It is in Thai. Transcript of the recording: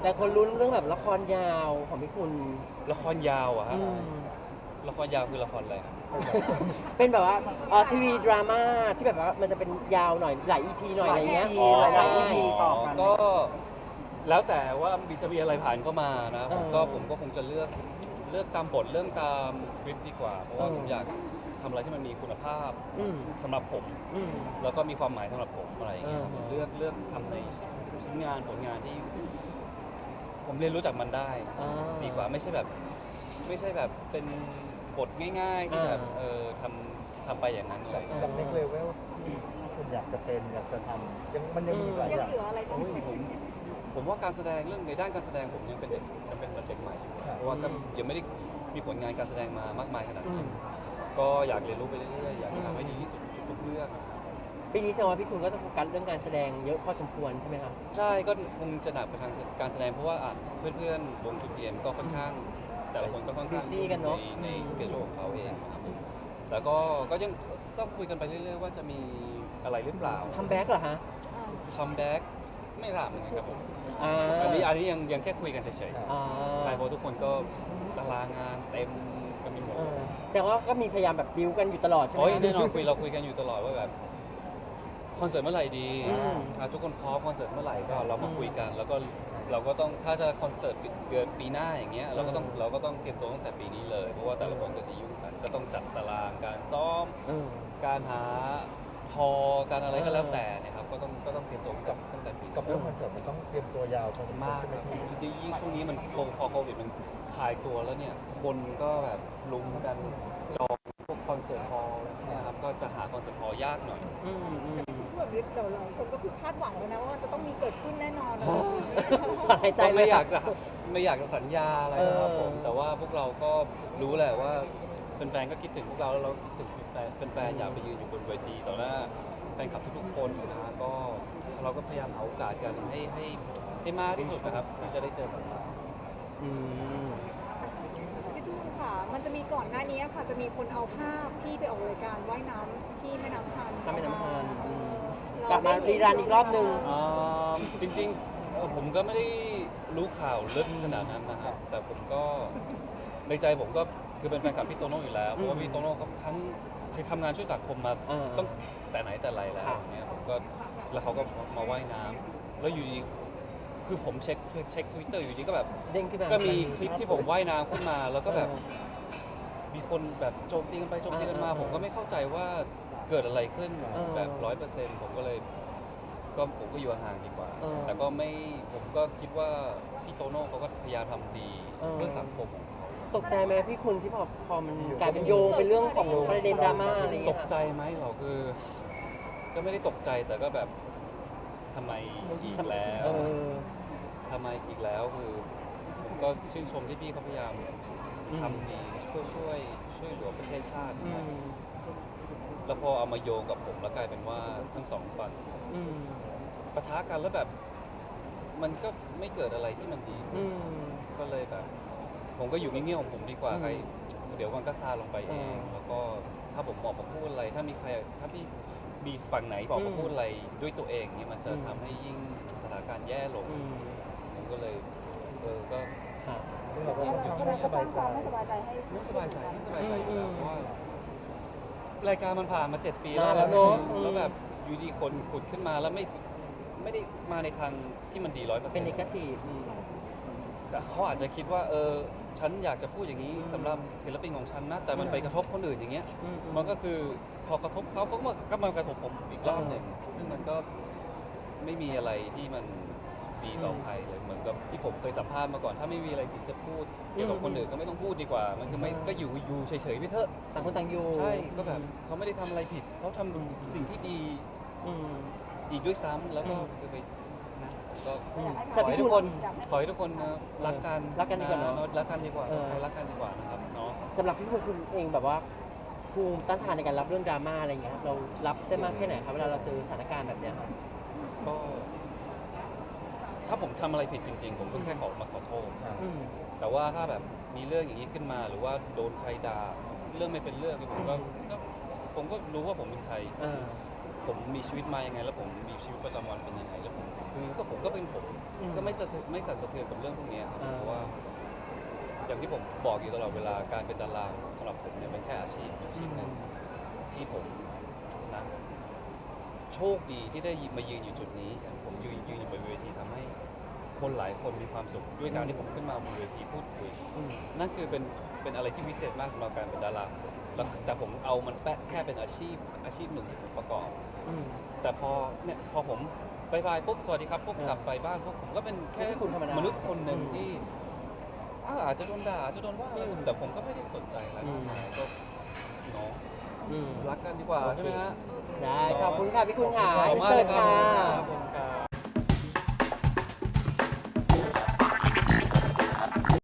แต่คนลุ้นเรื่องแบบละครยาวของพี่คุณละครยาวอะฮะอืมละครยาวคือละครอะไรครับเป็นแบบว่าทีวีดราม่าที่แบบว่ามันจะเป็นยาวหน่อยหลาย EP หน่อยอะไรเงี้ยหลาย EP ต่อกันก็แล้วแต่ว่าจะมีอะไรผ่านเข้ามานะเออผมก็คงจะเลือกตามบทเรื่องตามสคริปต์ดีกว่า เพราะว่าเออผมอยากทำอะไรที่มันมีคุณภาพอืมสำหรับผมอืมแล้วก็มีความหมายสำหรับผมอะไรอย่างเงี้ยครับเออเลือกทำในชิ้นงานผลงานที่ ผมเรียนรู้จากมันได้อ่าดีกว่าไม่ใช่แบบเป็นบทง่ายๆที่แบบอ่าทำไปอย่างนั้นอะไรอย่างเงี้ยกับเน็กเลเวลที่คุณอยากจะเป็นอยากจะทำมันยังมีหลายยัอง ย่างเหลืออะไรต้องโอ้ยผมว่าการแสดงเรื่องในด้านการแสดงผมยังเป็นเด็กใหม่อยู่เพราะว่าก็ยังไม่ได้มีผลงานการแสดงมามากมายขนาดอืนั้มนก็อยากเรียนรู้ไปเรื่อยๆอยากจะทำให้ดีที่สุดทุกๆเรื่องปีนี้แสดงว่าพี่คุณก็จะโฟกัสเรื่องการแสดงเยอะพอสมควรใช่ไหมครับใช่ก็คงจะหนักไปทางการแสดงเพราะว่าเพื่อนๆวงจูเพียนก็ค่อนข้าง แต่ละคนก็ค่อนข้าง busy กันเนอะในสเกจของเขาเองนะครับผมแล้วก็ยังต้องคุยกันไปเรื่อยๆว่าจะมีอะไรหรือเปล่าคัมแบ็กเหรอฮะคัมแบ็กไม่ทราบเหมือนกันครับผมอ่าอันนี้ยังแค่คุยกันเฉยอ่าๆใช่เพราะทุกคนก็ตารางงานเต็มกันไปหมดแต่ว่าก็มีพยายามแบบบิวกันอยู่ตลอดใช่ไหมโอ้ยครับแน่นอนเราคุยกันอยู่ตลอดว่าแบบคอนเสิร์ตเมื่อไหร่ดีอืมทุกคนพร้อมคอนเสิร์ตเมื่อไหร่ก็เรามาคุยกัน แล้วก็เราก็ต้องถ้าจะคอนเสิร์ตเกิดปีหน้าอย่างเงี้ยเราก็ต้องเตรียมตัวตั้งแต่ปีนี้เลย เพราะว่าแต่ละคนก็จะยุ่งกัน ก็ต้องจัดตารางการซ้อมอืมการหาฮอการอะไรก็แล้วแต่เนะครับก็ต้องเตรียมตัวตั้งแต่ปีกับเรื่องคอนเสิร์ตมันต้องเตรียมตัวยาวพอสมควรมากใช่ไหมพี่จริงๆยิ่งช่วงนี้มันพอโควิดมันคลายตัวแล้วเนี่ยคนก็แบบลุมกันจองพวกคอนเสิร์ตฮอลล์นะครับก็จะหาคอนเสิร์ตฮอลล์ยากหน่อยอืมอืมพูดแบบนี้เดี๋ยวเราคนก็คือคาดหวังเลยนะว่ามันจะต้องมีเกิดขึ้นแน่นอนนะถอนหายใจก็เลไม่ยอยากจะสัญญาอะไรนะครับผมเออแต่ว่าพวกเราก็รู้แหละว่าแฟนๆก็คิดถึงพวกเราแล้วเราคิดถึงแฟนๆอยากไปยืนอยู่บนเวทีต่อหน้าแฟนคลับทุกๆคนนะฮะก็เราก็พยายามหาโอกาสกันให้มากที่สุดนะครับที่จะได้เจอกันอืมพี่ซุนค่ะ มันจะมีก่อนหน้านี้ค่ะ จะมีคนเอาภาพที่ไปออกรายการว่ายน้ำที่แม่น้ำพันถ้าไม่น้ำพันอืมกลับมารีรันอีกรอบหนึ่งจริงๆผมก็ไม่ได้รู้ข่าวลึกขนาดนั้นนะครับแต่ผมก็ในใจผมก็คือเป็นแฟนคลับพี่โตโน่อยู่แล้วเพราะว่าพี่โตโน่เขาทั้งเคยทำงานช่วยสังคมมา ต้องแต่ไหนแต่ไรแล้วอย่างเงี้ยผมก็แล้วเขาก็มาว่ายน้ำแล้วอยู่ดีคือผมเช็ค Twitter อยู่ดีก็แบบเด้งขึ้นมาก็มีคลิปที่ผมว่ายน้ำขึ้นมาแล้วก็แบบมีคนแบบโจมตีกันไปโจมตีกันมา ผมก็ไม่เข้าใจว่าเกิดอะไรขึ้นแบบ100%ผมก็เลยผมก็อยู่ห่างๆดีกว่า แต่ก็ไม่ผมก็คิดว่าพี่โตโน่เขาก็พยายามทำดีเพื่อสังคมของเขาตกใจไหมพี่คุณที่พอมันกลายเป็นโยงเป็นเรื่องของประเด็นดราม่าอะไรตเงี้กยใจไหมเราคือ ก็ไม่ได้ตกใจแต่ก็แบบทำไมอีกแล้วเออทำไมอีกแล้วคือผมก็ชื่นชมที่พี่เขาพยายามทำดีช่วยเหลือประเทศชาติอืนะครับมแล้วพอเอามาโยงกับผมแล้วกลายเป็นว่าทั้งสองฝั่งอืมปะทะกันแล้วแบบ มันก็ไม่เกิดอะไรที่มันดีอืมก็เลยแบบ ผมก็อยู่เงียบๆของผมดีกว่าอืมใครเดี๋ยวมันก็ซาลงไปเองอ่าแล้วก็ถ้าผมออกมาพูดอะไร ถ้าพี่มีฝั่งไหนออกมาพูดอะไรด้วยตัวเองเนี่ยมันจะอืมทำให้ยิ่งสถานการณ์แย่ลงอืมผมก็เลยก็ค่ะซึ่งเราก็ค่อนข้างไม่สบายใจไม่สบายใจให้ไม่สบายใจอยู่แล้วเพราะว่ารายการมันผ่านมา7 ปีนานแล้วเนอะแล้วแบบอยู่ดีคนขุดขึ้นมาแล้วไม่ได้มาในทางที่มันดี100% เป็นนิเกทีฟเขาอาจจะคิดว่าฉันอยากจะพูดอย่างนี้สำหรับศิลปินของฉันนะแต่มันไปกระทบคนอื่นอย่างเงี้ย มันก็คือพอกระทบเขาก็มากระทบผมอีกรอบหนึ่งซึ่งมันก็ไม่มีอะไรที่มันดีต่อใครเลยเหมือนกับที่ผมเคยสัมภาษณ์มาก่อนถ้าไม่มีอะไรที่จะพูดเกี่ยวกับคนอื่นก็ไม่ต้องพูดดีกว่า มันคือไม่ก็อยู่เฉยๆไปเถอะต่างคนต่างอยู่ใช่ก็แบบเขาไม่ได้ทำอะไรผิดเขาทำสิ่งที่ดีอืมอีกด้วยซ้ำแล้วก็คือไปนะก็อืมขแต่อให้พี่ทุคุกณคนขอให้ทุกคนนะรักกันรักกันดีกว่าเนอะรักกันดีกว่าเออใครรักกันดีกว่านะครับเนาะสำหรับพี่คุณเองแบบว่าภูมิต้านทานในการรับเรื่องดราม่าอะไรเงี้ยเรารับได้มากแค่ไหนครับเวลาเราเจอสถานการณ์แบบเนี้ยครับก็ ถ้าผมทำอะไรผิดจริง ๆ ผมก็แค่มาขอโทษอืมแต่ว่าถ้าแบบมีเรื่องอย่างนี้ขึ้นมาหรือว่าโดนใครด่าเรื่องไม่เป็นเรื่องผมก็รู้ว่าผมเป็นใครอ่าผมมีชีวิตมายังไง แล้วผมมีชีวิตประจำวันเป็นยังไงแล้วผมก็เป็นผมก็ไม่สั่นสะเทือนกับเรื่องพวกเนี้ยครับเพราะว่า อย่างที่ผมบอกอยู่ตลอดเวลาการเป็นดาราสำหรับผมเนี่ยเป็นแค่อาชีพหนึ่งที่ผมนะโชคดีที่ได้มายืนอยู่จุดนี้ผมยืนอยู่บนเวทีทำให้คนหลายคนมีความสุขด้วยการที่ผมขึ้นมาบนเวทีพูดคุยนั่นคือเป็นอะไรที่พิเศษมากสำหรับการเป็นดาราแล้วแต่ผมเอามันแค่เป็นอาชีพหนึ่งที่ผมประกอบแต่พอผมบายปุ๊บสวัสดีครับปุ๊บกลับไปบ้านปุ๊บผมก็เป็นแค่ไม่ใช่คุณธรรมดามนุษย์คนหนึ่งที่อาจจะโดนด่าอาจจะโดนว่าอะไรแต่ผมก็ไม่ได้สนใจอะไรมากมายก็เนาะรักกันดีกว่าใช่ไหมฮะได้ขอบคุณค่ะพี่คุณค่ะขอบคุณมากเลยครับค่ะ